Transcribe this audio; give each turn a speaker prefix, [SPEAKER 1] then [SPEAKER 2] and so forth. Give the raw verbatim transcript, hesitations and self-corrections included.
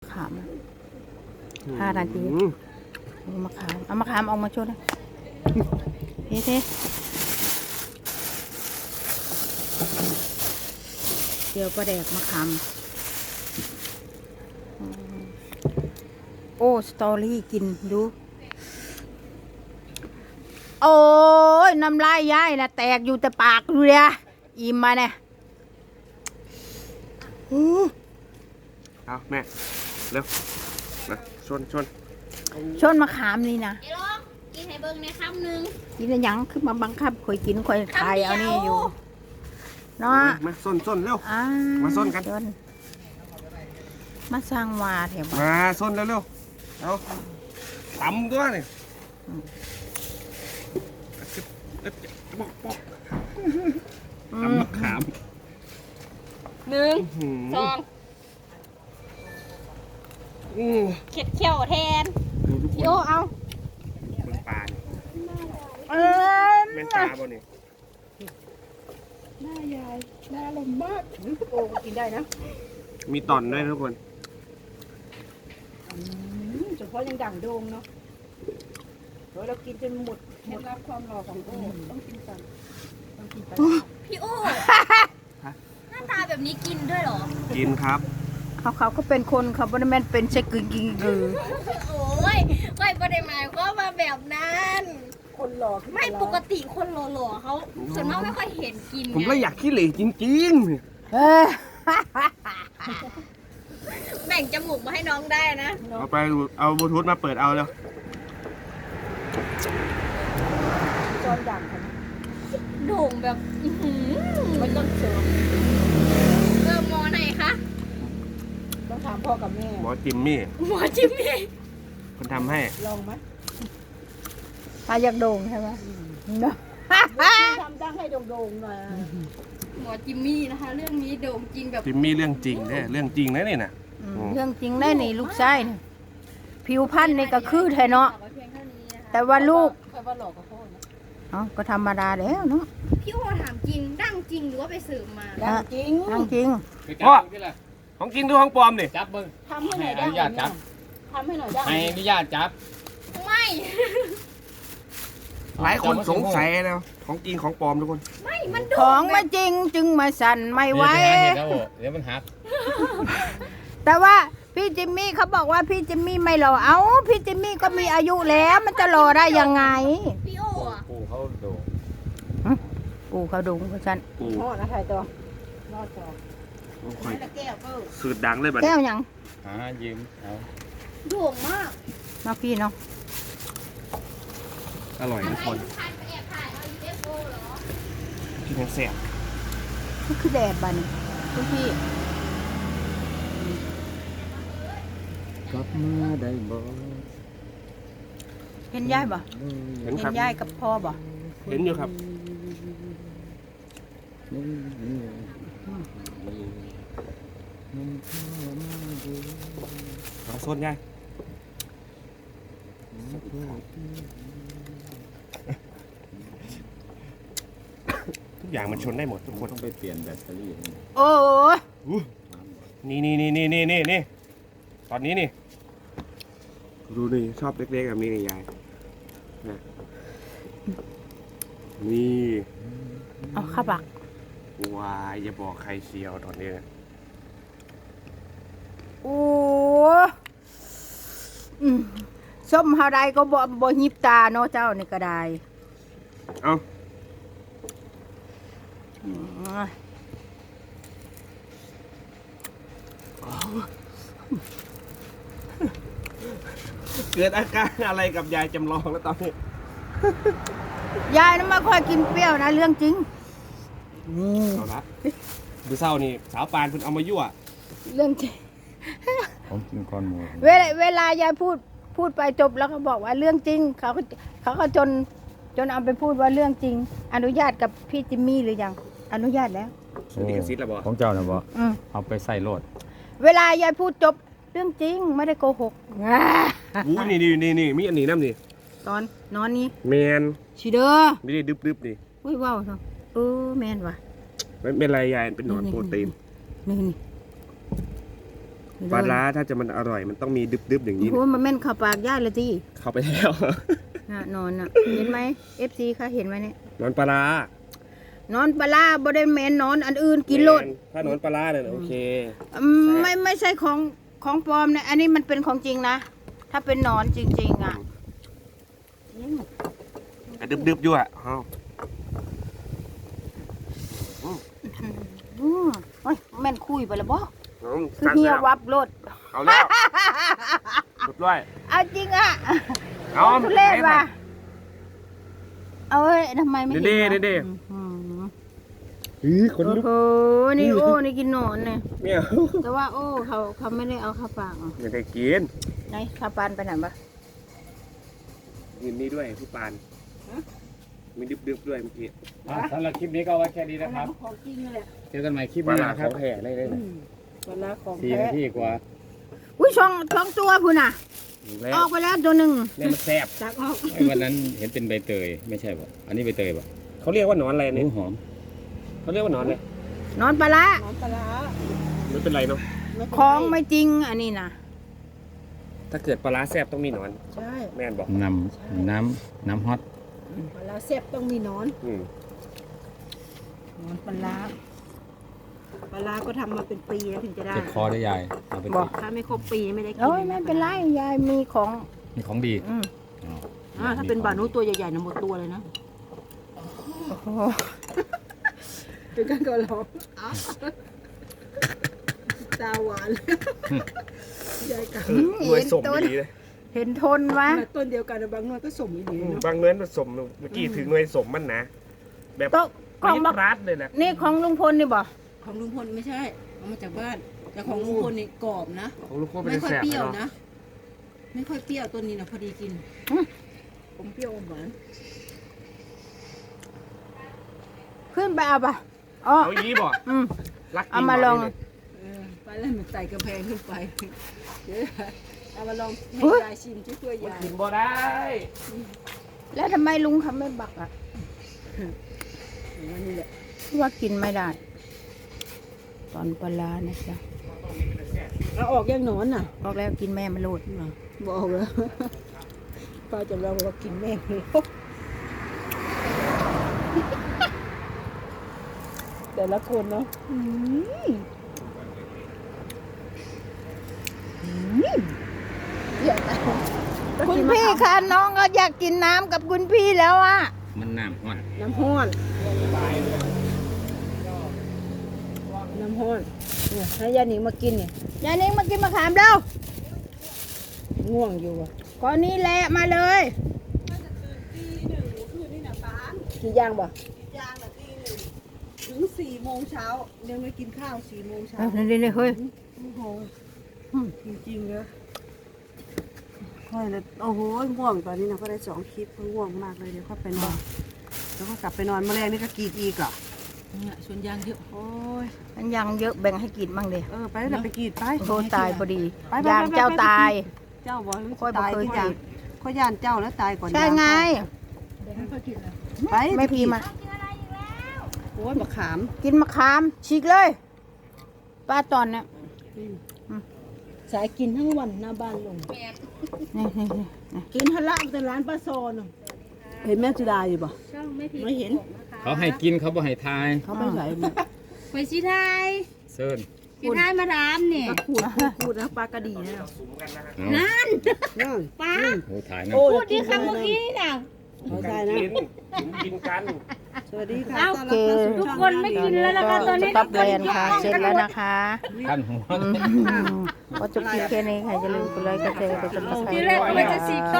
[SPEAKER 1] ขามห้านาทีมะขามเอามะขามออกมาชดเลยเท่ๆเดี๋ยวประแดกมะขามโอ้สตอรี่กินดูโอ้ยน้ำลายย้ายนะแตกอยู่แต่ปากดูเลยอิ่มมาเนี่ย
[SPEAKER 2] เอาแม่เร็วมาชนชน
[SPEAKER 1] ชนมะขามนี่นะ
[SPEAKER 3] ไอ้ลองกินให้เบิ่งในคำหนึ่ง
[SPEAKER 1] กินแล้วยังคือมาบังคับคอยกินคอยขายเอานี่อยู่เนาะ
[SPEAKER 2] มาส้นส้นเร็ว
[SPEAKER 1] อ่า
[SPEAKER 2] มาส้นกัน
[SPEAKER 1] ชมาสร้างวาแถวบ้าน
[SPEAKER 2] มาส้นเร็วเร็วเอาตำตัวนี่ปอกปอกตำมะขาม
[SPEAKER 3] หนึ่งสอง
[SPEAKER 2] อู้
[SPEAKER 3] เข็ดเขี้ยวแทน
[SPEAKER 2] ดูทุกค
[SPEAKER 3] พี่
[SPEAKER 2] น
[SPEAKER 3] โอเอา
[SPEAKER 2] เบิ่งปลานี่
[SPEAKER 1] เออ
[SPEAKER 2] แม่นปลาบ่นี่
[SPEAKER 1] หน้ายายหน้าลมมากโอ้กินได้นะ
[SPEAKER 2] มีตอนด้วยทุกคน
[SPEAKER 1] เฉพาะยังดั่งโดงเนาะเรากินจนหมดเคล็ดลับความหล่อของโอ้ต้องกินก่อนต้องกินไป
[SPEAKER 3] พี่โอหน้าตาแบบนี้กินด้วยเหรอ
[SPEAKER 2] กินครับ
[SPEAKER 1] เขาเขาก็เป็นคนเขาบริแมนเป็นเชคกึ่งกิงกือ
[SPEAKER 3] โอ้ยไม่ประเดี๋ยวหมายก็มาแบบนั้น
[SPEAKER 1] คนหล่อ
[SPEAKER 3] ไม่ปกติคนหล่อๆเขาส่วนมากไม่ค่อยเห็นกิน
[SPEAKER 2] ผมก็อยากขี้เหร่จริง
[SPEAKER 1] เออ
[SPEAKER 3] แบ่งจมูกมาให้น้องได้นะ
[SPEAKER 2] ๆเอาไปเอาบลูทูธมาเปิดเอาแล้ว
[SPEAKER 1] จอนดั่งค่ะ
[SPEAKER 3] โด่งแบบอื้อหือ
[SPEAKER 1] ไม่ต้องเสริม
[SPEAKER 3] เออหมอไหนคะ
[SPEAKER 1] ต้องถามพ่อกับแม่
[SPEAKER 2] หมอจิมมี่
[SPEAKER 3] หมอจิมมี่
[SPEAKER 2] คนทำให้
[SPEAKER 1] ลองไหมถ้าอยากโด่งใช่ไหมเนาะทำดังให้โด่งๆหน่อย
[SPEAKER 3] หมอจิมมี่นะคะ เรื่องนี้โด่งจริงแบบ
[SPEAKER 2] จิมมี่เรื่องจริงเนี่ยเรื่องจริงนะนี่นะ
[SPEAKER 1] เรื่องจริงได้นี่ลูกชายนี่ผิวพรรณนี่ก็คือไทยเนาะ
[SPEAKER 3] ฝากไว้เพียงเท่านี้นะคะ
[SPEAKER 1] แต่ว่าลูก
[SPEAKER 3] ใครว่าหลอกกับพ่อนะ
[SPEAKER 1] เอ้าก็ธรรมดาแล้วเนาะ
[SPEAKER 3] พี่โอถามจริงดั้งจริงหรือว่าไปสืบมา
[SPEAKER 1] ดังจริงดังจริง
[SPEAKER 2] พ่อของจริงดูของปลอมดิ
[SPEAKER 4] จับเบิ้ง
[SPEAKER 1] ทำให้หน่อย
[SPEAKER 4] ให้
[SPEAKER 1] ได้
[SPEAKER 4] อนุญาตจับ
[SPEAKER 1] ทำให้หน่อยได้
[SPEAKER 4] ให้อนุญาตจับ
[SPEAKER 3] ไม่
[SPEAKER 2] หลายคนสงสัยนะของจริงของปลอมทุกคน
[SPEAKER 3] ไม่มัน
[SPEAKER 1] ข
[SPEAKER 3] โด่
[SPEAKER 1] อง ง
[SPEAKER 3] แบ
[SPEAKER 1] ไม่
[SPEAKER 3] บ
[SPEAKER 1] จริงจึงมาสั่นไม่ไหว
[SPEAKER 4] เดี๋ยวมันหักเดี๋ยวมันหัก
[SPEAKER 1] แต่ว่าพี่จิมมี่เขาบอกว่าพี่จิมมี่ไม่หล่อเอ้าพี่จิมมี่ก็มีอายุแล้วมันจะหล่อได้ยังไง
[SPEAKER 3] พี่โออะ
[SPEAKER 4] ปูเขาโดด
[SPEAKER 1] กูเขาดุงเพราะฉัน
[SPEAKER 2] ปู
[SPEAKER 1] พ่อนะไทยตัวรอดจอ
[SPEAKER 2] ค่อย
[SPEAKER 1] แก้วเออ
[SPEAKER 2] สืดดังเลยบัด
[SPEAKER 1] แก้
[SPEAKER 2] นี้
[SPEAKER 1] วยัง
[SPEAKER 4] หายืมเอา
[SPEAKER 3] โด่งมาก
[SPEAKER 1] เนาะพี่เนาะ
[SPEAKER 2] อร่อยทุกคน
[SPEAKER 3] ใครไปแอบถ่ายเอา ยู เอฟ โอ เหรอ
[SPEAKER 2] ที่ทั้งแซ่บ
[SPEAKER 1] นี่คือแดดบ้านี่คุณพี่
[SPEAKER 4] กลับมาได้บ่
[SPEAKER 1] เห็นยายบ่
[SPEAKER 2] เห็น
[SPEAKER 1] เห็
[SPEAKER 2] ครั
[SPEAKER 1] น
[SPEAKER 2] บ
[SPEAKER 1] ยายกับพ่อบ่
[SPEAKER 2] เห็นอยู่ครับเอาส้นยายทุกอย่างมันชนได้หมดทุกคน
[SPEAKER 4] ต้องไปเปลี่ยนแบตเตอรี่
[SPEAKER 1] โอ้ย
[SPEAKER 2] นี่นี่นี่นี่นี่นี่นี่ตอนนี้นี่ดูนี่ชอบเล็กๆแบบนี้นี่ยายนะนี่
[SPEAKER 1] เอาข้าวบัก
[SPEAKER 2] วายอย่าบอกใครเชียวตอนนี้นะ
[SPEAKER 1] โอ้อืมส้มเฮาใดก็บ่บ่หิบตาเนาะเจ้านี่ก็ได้
[SPEAKER 2] เอา
[SPEAKER 1] อืม
[SPEAKER 2] เกิดอาการอะไรกับยายจำลองแล้วตอนนี้
[SPEAKER 1] ยายน่ะไม่ค่อยกินเปรี้ยวนะเรื่องจริงนี่
[SPEAKER 2] เอาละดูเศร้านี่สาวปานเพิ่นเอามายั่ว
[SPEAKER 1] เรื่องจริง
[SPEAKER 4] ผมกินก้อนหมู
[SPEAKER 1] เวลาเวลายายพูดพูดไปจบแล้วก็บอกว่าเรื่องจริง เขาก็เขาก็จนจนเอาไปพูดว่าเรื่องจริง อนุญาตกับพี่จิมมี่หรือยังอนุญาตแล้ว
[SPEAKER 2] นี่กระซิบแล้วบ่
[SPEAKER 4] ของเจ้านะบ่
[SPEAKER 1] อืม
[SPEAKER 4] เอาไปใส่โลด
[SPEAKER 1] เวลายายพูดจบเรื่องจริงไม่ได้โกหกอ่า
[SPEAKER 2] อู้นี่นี่นี่นี่มีอันนี้น้ำนี่
[SPEAKER 1] ตอนนอนนี้
[SPEAKER 2] แมน
[SPEAKER 1] ชิเด้อ
[SPEAKER 2] ไม่ได้ดึบๆนี่
[SPEAKER 1] อุ้ยว้าวเนาะเออแมนว่ะ
[SPEAKER 2] ไม่เป็นไรยายเป็นหนอนโปรตีน
[SPEAKER 1] นี่นี่
[SPEAKER 2] ปลาร้าถ้าจะมันอร่อยมันต้องมีดึบๆอย่างนี้
[SPEAKER 1] โอ้มันแม่นเข้าปากย่าเลยที่
[SPEAKER 2] เข้าไปแล้ว
[SPEAKER 1] น่ะนอนน่ะ เห็นไหมเอฟซีคะเห็นไหมเนี่ย
[SPEAKER 2] นอนปลาร้าน
[SPEAKER 1] อนปลาร้าบ่ได้แม่นนอนอันอื่นกินโลด
[SPEAKER 2] ถ้านอนปลาร้าเนี่ยโอเค
[SPEAKER 1] อืมไม่ไม่ใช่ของของปลอมนะอันนี้มันเป็นของจริงนะ ถ้าเป็นหนอนจริง ๆ อ่ะ
[SPEAKER 2] แต่ดึบๆอยู่อ่ะเอ้า
[SPEAKER 1] อืมโอ้ยแม่นคุยไปแล้วบ่
[SPEAKER 2] อืม
[SPEAKER 1] คือเฮียวับรถ
[SPEAKER 2] เอาแล้วสุดด้วย
[SPEAKER 1] เอาจริงอ่ะ
[SPEAKER 2] เอา
[SPEAKER 1] ทุเรศว่ะเอาเอ้ยทำไมไม่เห็น
[SPEAKER 2] เด้
[SPEAKER 1] วะ
[SPEAKER 2] เด้เด้
[SPEAKER 1] อืม
[SPEAKER 2] อือคน
[SPEAKER 1] โอ้
[SPEAKER 2] ลุก
[SPEAKER 1] โหนี่โอ้นี่กินหนอนเนี่ย
[SPEAKER 2] เมียว
[SPEAKER 1] แต่ว่าโอ้เขาเขาไม่ได้เอาเข้าปากอ่ะ
[SPEAKER 2] ไม่ได้กิน
[SPEAKER 1] ไหนข้าวปานไปไหนปะ
[SPEAKER 2] กินนี่ด้วยพี่ปานมีดึบๆด้วยเมื่อกี้
[SPEAKER 4] อ่ะสำหรับคลิปนี้ก็เอาไว้แค่นี้นะครับ
[SPEAKER 1] ของจริงเลย
[SPEAKER 4] เจอกันใหม่คลิป
[SPEAKER 2] ปลา
[SPEAKER 4] ห
[SPEAKER 2] ร้า
[SPEAKER 4] น้า
[SPEAKER 2] ข
[SPEAKER 4] ครั
[SPEAKER 2] อบ งแท้ได้เลยนะ
[SPEAKER 1] ปลาของ
[SPEAKER 4] สี่
[SPEAKER 1] แท้
[SPEAKER 4] นาทีกว่า
[SPEAKER 1] อุ้ยช่องช่องตัวพุ่นน่ะ
[SPEAKER 2] แล้ว
[SPEAKER 1] ออกไปแล้วตัวหนึ่ง
[SPEAKER 2] เนี่ยมันแซ่บ
[SPEAKER 1] จากออก
[SPEAKER 4] ไอ้วันนั้นเห็นเป็นใบเตยไม่ใช่ป่ะอันนี้ใบเตยป่ะ
[SPEAKER 2] เขาเรียกว่าหนอนอะไร
[SPEAKER 4] ห
[SPEAKER 2] เนี่ย
[SPEAKER 4] มูหอม
[SPEAKER 2] เขาเรียกว่าหนอนเลย
[SPEAKER 1] นอนปลาร้า
[SPEAKER 2] ไม่เป็นไรเนาะ
[SPEAKER 1] ของไม่จริงอันนี้นะ
[SPEAKER 2] ถ้าเกิดปลาร้าแซ่บต้องมีหนอน
[SPEAKER 5] ใช่
[SPEAKER 2] แม่นบอก
[SPEAKER 4] น้ำน้ำน้ำฮอต
[SPEAKER 5] ปลาร้าแซ่บต้องมีหนอน
[SPEAKER 2] อืม
[SPEAKER 5] หนอนปลาร้าปลาร้าก็ทำมาเป็นปีแล้วถึงจะได้
[SPEAKER 4] เจ็บคอได้ยายเอาไป
[SPEAKER 1] บอก
[SPEAKER 5] ถ้าไม่ครบปีไม่ได้กิน
[SPEAKER 1] โอ้ยไม่เป็นไรยายมีของ
[SPEAKER 4] มีของดี
[SPEAKER 1] อืม
[SPEAKER 4] อ๋อ
[SPEAKER 5] อ่าถ้าเป็นบานุตัวใหญ่ๆนะหมดตัวเลยนะ
[SPEAKER 1] โอ้โห
[SPEAKER 5] เป็นการก่อนร้องตาหวานใหญ่กัน
[SPEAKER 2] หน่วยสมดีเลย
[SPEAKER 1] เห็นทนวะ
[SPEAKER 5] ต้นเดียวกันนะบางหน่วยก็สมดี
[SPEAKER 2] อืม
[SPEAKER 5] เนาะ
[SPEAKER 2] บางเนื้อผสมเมื่อกี้ถึงหน่วยสมมันนะ แบบ
[SPEAKER 1] โต๊ะของ
[SPEAKER 2] มี
[SPEAKER 1] บัก
[SPEAKER 2] ปรัดเลยนะ
[SPEAKER 1] นี่ของลุงพลนี่บ่
[SPEAKER 5] ของลุงพลไม่ใช่เอามาจากบ้าน แต่ของลุงพลนี่กรอบนะ
[SPEAKER 2] ของลูกโคเป็น
[SPEAKER 5] ไม่ค่อย
[SPEAKER 2] แซ่บ
[SPEAKER 5] เปรี้ยว
[SPEAKER 2] เนาะ
[SPEAKER 5] นะ ไม่ค่อยเปรี้ยวต้นนี้นะพอดีกินผมเปรี้ยวอมหวาน
[SPEAKER 1] ขึ้นไปเอาปะอ๋อ
[SPEAKER 2] เอายี้บอก
[SPEAKER 1] อืม
[SPEAKER 2] รักจริง
[SPEAKER 1] เอามาลอง
[SPEAKER 2] บกนี่
[SPEAKER 5] เออไปแล้วมันไต่กระแพงขึ้นไปเดี๋ยวเอามาลองให้ยายชิมช่วยๆ
[SPEAKER 2] มัน
[SPEAKER 5] ยาย
[SPEAKER 2] กินบ่ได้
[SPEAKER 1] แล้วทำไมลุงเขาไม่บักอ่ะ
[SPEAKER 5] นี่แหละ
[SPEAKER 1] ว่ากินไม่ได้ ตอนปลาร้านะจ๊ะ
[SPEAKER 5] เอาออกยังหนอนน่ะ
[SPEAKER 1] บอกแล้วกินแม่มันโลด
[SPEAKER 5] บอกแล้วป้าจะลองเรากินแม่เลยแต่ละคนเนาะ
[SPEAKER 1] คุณพี่คะน้องก็อยากกินน้ำกับคุณพี่แล้วอ่ะ
[SPEAKER 4] มันน้ำฮอต
[SPEAKER 5] น้ำห้อนน้ำห้อนเนี่ยให้ยาหนิงมากินเนี่ย
[SPEAKER 1] ยายนิ้งมากินมะขามเร็ว
[SPEAKER 5] ง่วงอยู่อ่ะ
[SPEAKER 1] ก่อนนี้แหละมาเลย
[SPEAKER 5] กี่ย่างบ่
[SPEAKER 6] ถึงสี่โมงเช้ายังไม่กินข้าวสี่โมงเช้า
[SPEAKER 1] เอาเดี๋ยวๆๆเฮ้ย
[SPEAKER 6] โอ้โหจริงๆเลยค่อยเลยโอ้โหง่วงตอนนี้นะก็ได้สองคลิปก็ง่วงมากเลยเดี๋ยวเข้าไปนอนแล้วก็กลับไปนอนเมื่อแรกนี่ก็กรีดอีกเหรอ
[SPEAKER 5] เนี่ยชวนย่างเยอะ
[SPEAKER 6] โอ้ย
[SPEAKER 1] มันยังเยอะแบ่งให้กินบ้างเดี
[SPEAKER 6] เออไปแล้วไปกรีดไป
[SPEAKER 1] โทษตายพอดี
[SPEAKER 6] ไปไป
[SPEAKER 1] ยาง
[SPEAKER 6] ไปไป
[SPEAKER 1] เจ้าตาย
[SPEAKER 6] เจ้าบอก
[SPEAKER 1] ค่อยบ่
[SPEAKER 6] ตาย
[SPEAKER 1] เคย
[SPEAKER 6] ที่ยาง
[SPEAKER 1] กรีด
[SPEAKER 6] ค่อยย่านเจ้าแล้วตายก่อน
[SPEAKER 1] ใช่ไง
[SPEAKER 6] ไป
[SPEAKER 1] ไม่พีมา
[SPEAKER 6] โอ้ยมะขาม
[SPEAKER 1] กินมะขามฉีกเลยป้าตอนเนี้ย
[SPEAKER 5] สายกินทั้งวันหน้าบ้านลง
[SPEAKER 1] นี่นี่นี่นี่
[SPEAKER 5] กินทะละแต่ร้านป้าโซนอะ
[SPEAKER 6] เห็นแม่จุดาอยู่ป่ะ
[SPEAKER 5] ไม่เห็น
[SPEAKER 4] เขาให้กินเขาบ่ให้ทาย
[SPEAKER 5] เขาไม่ใส่เนี่ย
[SPEAKER 3] ไปสิไทย
[SPEAKER 4] เซิร์น
[SPEAKER 3] สิไทยมาดามเนี่ย
[SPEAKER 5] ก็ขูดขูดขูดนะปลากระดีนะ
[SPEAKER 2] สุมกันนะฮะ
[SPEAKER 4] เอา
[SPEAKER 3] นั่น
[SPEAKER 5] นั่น
[SPEAKER 3] ป้า
[SPEAKER 4] โอ้ถ่ายนะ
[SPEAKER 3] พูดดีคำเมื่อกี้นี่น่ะ
[SPEAKER 6] ขอ
[SPEAKER 2] กั
[SPEAKER 6] ใส่
[SPEAKER 2] น
[SPEAKER 6] นะ
[SPEAKER 2] กินสุมกินกัน
[SPEAKER 6] สวัสดีค่ะ
[SPEAKER 3] เอ้า
[SPEAKER 6] ต้อนรับเข้าสู่
[SPEAKER 3] ทุก
[SPEAKER 6] ช่อง
[SPEAKER 3] คนไม่กินแล้วนะคะตอนนี้
[SPEAKER 1] สต็อปแลนด์ค่ะเสร็จแล้วนะคะ
[SPEAKER 4] ขั้นหัว
[SPEAKER 1] อืมก็จบคลิปแค่นี้ค่ะอย่าลืมกดไลค์กดแชร์กดติดตาม
[SPEAKER 3] ทีแรกก็ว่าจะสี